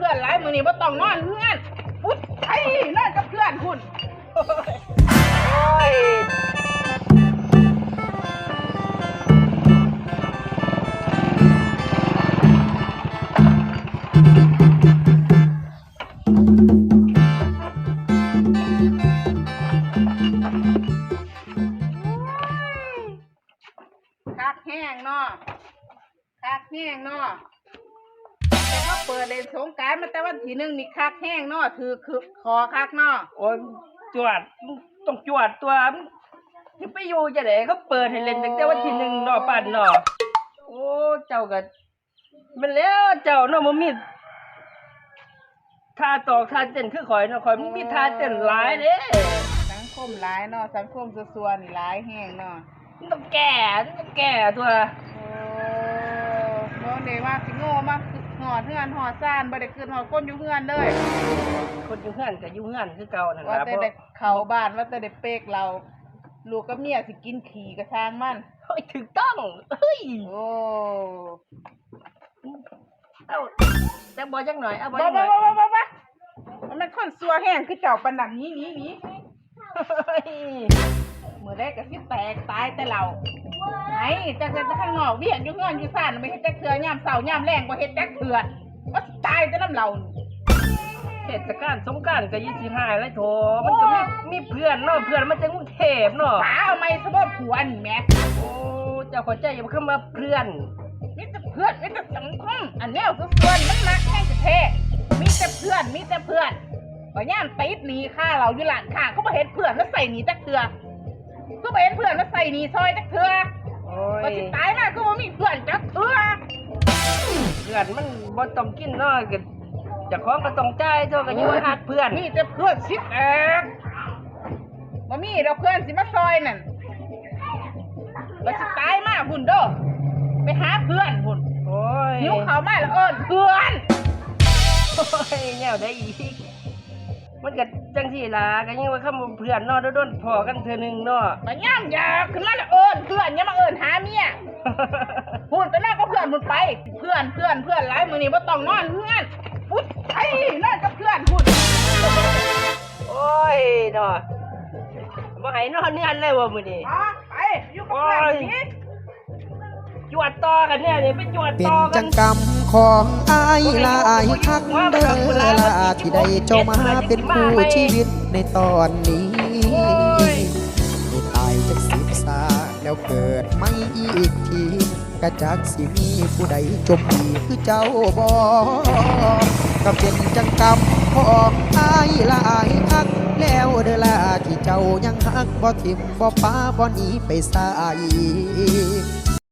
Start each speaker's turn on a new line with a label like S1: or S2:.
S1: พื่อนหลายมื้อนี้บ่ต้องนอนเฮือนพุดไอ้นอนกับเพื่อนพุ่นโอ้ยคักแห้งเนาะคักแห้งเนาะแต่เขาเปิดเล่นสงกรานต์มาแต่วันที่1นี่คักแห้งเนาะถือคือคอคักเนาะ
S2: โอ้ยจวดต้องจวดตัวที่ไปอยู่จะไหนเขาเปิดให้เล่นตั้งแต่วันที่1เนาะปั่นเนาะโอ้เจ้าก็มันแล้วเจ้าเนาะมันมีท่าตอกท่าเต้นคือข่อยเนาะข่อยมันมีท่าเต้นหลายเด้
S1: สังคมหลายเนาะสังคมซัวๆนี่หลายแห้งเนาะ
S2: มันต้องแก่ตัว
S1: โอ้บ่ได้ว่าสิโง่มากหอดเฮือนหอดซ่านบ่ได้ขึ้นหอดคนอยู่เฮือนเลย
S2: คนอยู่เฮือนก็อยู่เฮือนคือเก่านั่น
S1: ว่า
S2: ล่ะ
S1: แต่ได้เข้าบ้านว่าแต่ได้เปกเราลูกกับเมียสิกินขี้กระทางมัน
S2: เฮ้ยถูกต้องเฮ้ย
S1: โอ้
S2: เอาแต่บ่จักหน่อยเอาบ่
S1: บ่
S2: จักหน่อย
S1: มันคนซัวแห้งคือเจ้าปานนั้นหนี
S2: เฮ้ย
S1: มื้อใดก็สิแตกตายแต่เราไอ้จักแต่ข้างนอกเวียกอยู่เฮือนอยู่ซ่านไม่เฮ็ดจักเทื่อยามเช้ายามแลงบ่เฮ็ดจักเทื่อว่าสิตายแต่น้ำเรา
S2: เทศกาลสงกรานต์ก็25แล้วโถมันก็มีเพื่อนเนาะเพื่อนมันจากกรุงเทพเนาะ
S1: ป๋าเอาไม้ซะบ่ผัวนี่แหม
S2: โอ้เจ้าเข้าใจอย่ามาเข้ามาเพื่อน
S1: มีแต่เพื่อนมีแต่สังคมอันแนวซุส่วนมันมักแม่งจะเท่มีแต่เพื่อนบ่ย่ามติดหนีค่าเราอยู่ร้านค้าเขาบ่เห็นเพื่อนแล้วใส่หนีจักเทื่อก็บ่เห็นเพื่อนแล้วใส่หนีซอยจักเทื่อ
S2: โอ้ย
S1: ว่าสิตายมาก็บ่มีเพื่อนจักเทื่อ
S2: เพื่อนมันบ่ต้องกินเนาะก็เจ้าของก็ต้องจ่ายเท่ากันอยู่ว่าฮักเพื่อน
S1: มีแต่เพื่อนสิแอกบ่มีดอกเพื่อนสิมาซอยนั่นว่าสิตายมาพุ่นเด้อไปหาเพื่อนพุ่น
S2: โอ้ย
S1: หิวข้าวมาแล้วเอิ้นเพื่อน
S2: โอ้ยแนวได้อีกมันก็จังซี่ล่ะก็ยังว่าคำเพื่อนเนาะโดนๆพอกันเทื่อนึงเนาะ
S1: มาย่ำยาขึ้นมาแล้วเอิ้นเพื่อนอย่ามาเอิ้นหาเมียพูดไปนั่งกับเพื่อนพูดไปเพื่อนหลายมื้อนี้บ่ต้องนอนเฮือนพุดไอ้นอนกับเพื่อนพูด
S2: โอ้ยเนาะบ่ให้นอนเนือนเลยว่ะมื้อนี้
S1: อ๋อไปอยู่กับเพื่อนสิ
S2: จวดต่อกันเนี่ยนี่ไปจวด
S3: เป็น
S2: ต่อกั
S3: จั
S2: น
S3: งกรรมของอายลายคักเด้อละที่ได้เจ้ามาเป็นคู่ชีวิตในตอนนี้ได้ตายจาก10 ซาแล้วเกิดไม่อีกทีกระจักสิมีผู้ใดจมดีคือเจ้าบ่ก็เป็นจังกรรมของอายลายคักแล้วเด้อละที่เจ้ายังฮักบ่ทิมบ่ป้าบ่หนีไปไส